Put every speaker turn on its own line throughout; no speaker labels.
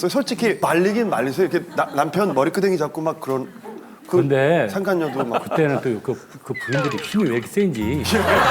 있어요? 솔직히 말리긴 말리세요. 이렇게 남편 머리끄댕이 잡고 막 그런.
근데
상간녀도 막.
그때는 또 그 부인들이 힘이 왜 이렇게 센지.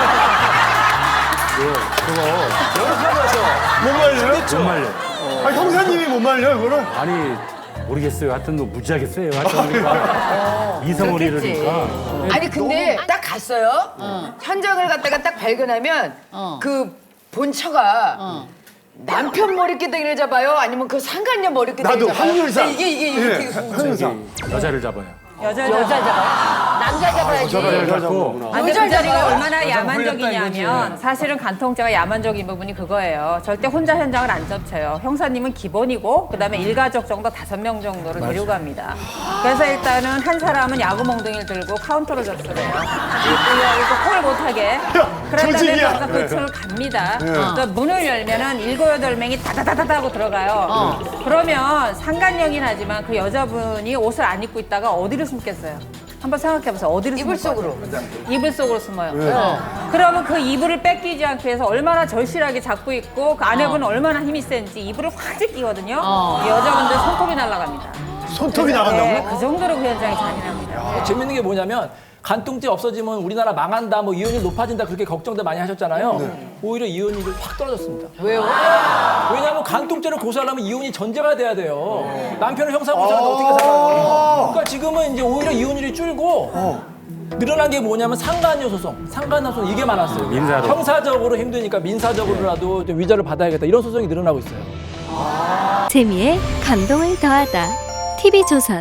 못 말려요?
못 말려.
형사님이 못 말려 이거를?
아니 모르겠어요. 하여튼 뭐 무지하게 세요. 하여튼 그러니까 이성원이라니까.
아니 근데 딱 갔어요. 현장을 갔다가 딱 발견하면 그 본처가 남편 머리끄댕이를 잡아요? 아니면 그 상간녀 머리끄댕이를
나도
잡아요?
확률상.
이게 되게 궁금해.
확률상.
여자를 잡아요.
여자 잡아요? 남자 잡아야지.
여자를 잡고.
근데 그 자리가 얼마나 야만적이냐면 사실은 간통죄가 야만적인 부분이 그거예요. 절대 혼자 현장을 안 접쳐요. 형사님은 기본이고 그다음에 일가족 정도 5명 정도를 데리고 갑니다. 그래서 일단은 한 사람은 야구 몽둥이를 들고 카운터로 접수해요. 이거 콜을 못하게. 그런
조직이야.
다음에 그 층을 갑니다. 그러니까 문을 열면은 7, 8명이 다다다다다 하고 들어가요. 그러면 상간녀긴 하지만 그 여자분이 옷을 안 입고 있다가 어디를 숨겠어요? 한번 생각해보세요. 어디를
이불
숨을
속으로.
거예요? 이불 속으로 숨어요. 그러면 그 이불을 뺏기지 않기 위해서 얼마나 절실하게 잡고 있고 그 아내분은 얼마나 힘이 센지 이불을 확 제끼거든요. 여자분들 손톱이 날아갑니다.
손톱이
네,
나간다고요?
그 정도로 그 현장이 잔인합니다.
재밌는 게 뭐냐면 간통죄 없어지면 우리나라 망한다, 뭐 이혼율 높아진다 그렇게 걱정들 많이 하셨잖아요. 오히려 이혼율이 확 떨어졌습니다.
왜요?
왜냐하면 간통죄를 고소하려면 이혼이 전제가 돼야 돼요. 남편을 형사 고소하는데 어떻게 살아요? 그러니까 지금은 이제 오히려 이혼율이 줄고 늘어난 게 뭐냐면 상간녀 소송, 상간녀 소송 이게 많았어요.
민사로.
형사적으로 힘드니까 민사적으로라도 좀 위자료 받아야겠다 이런 소송이 늘어나고 있어요.
재미에 감동을 더하다. TV조선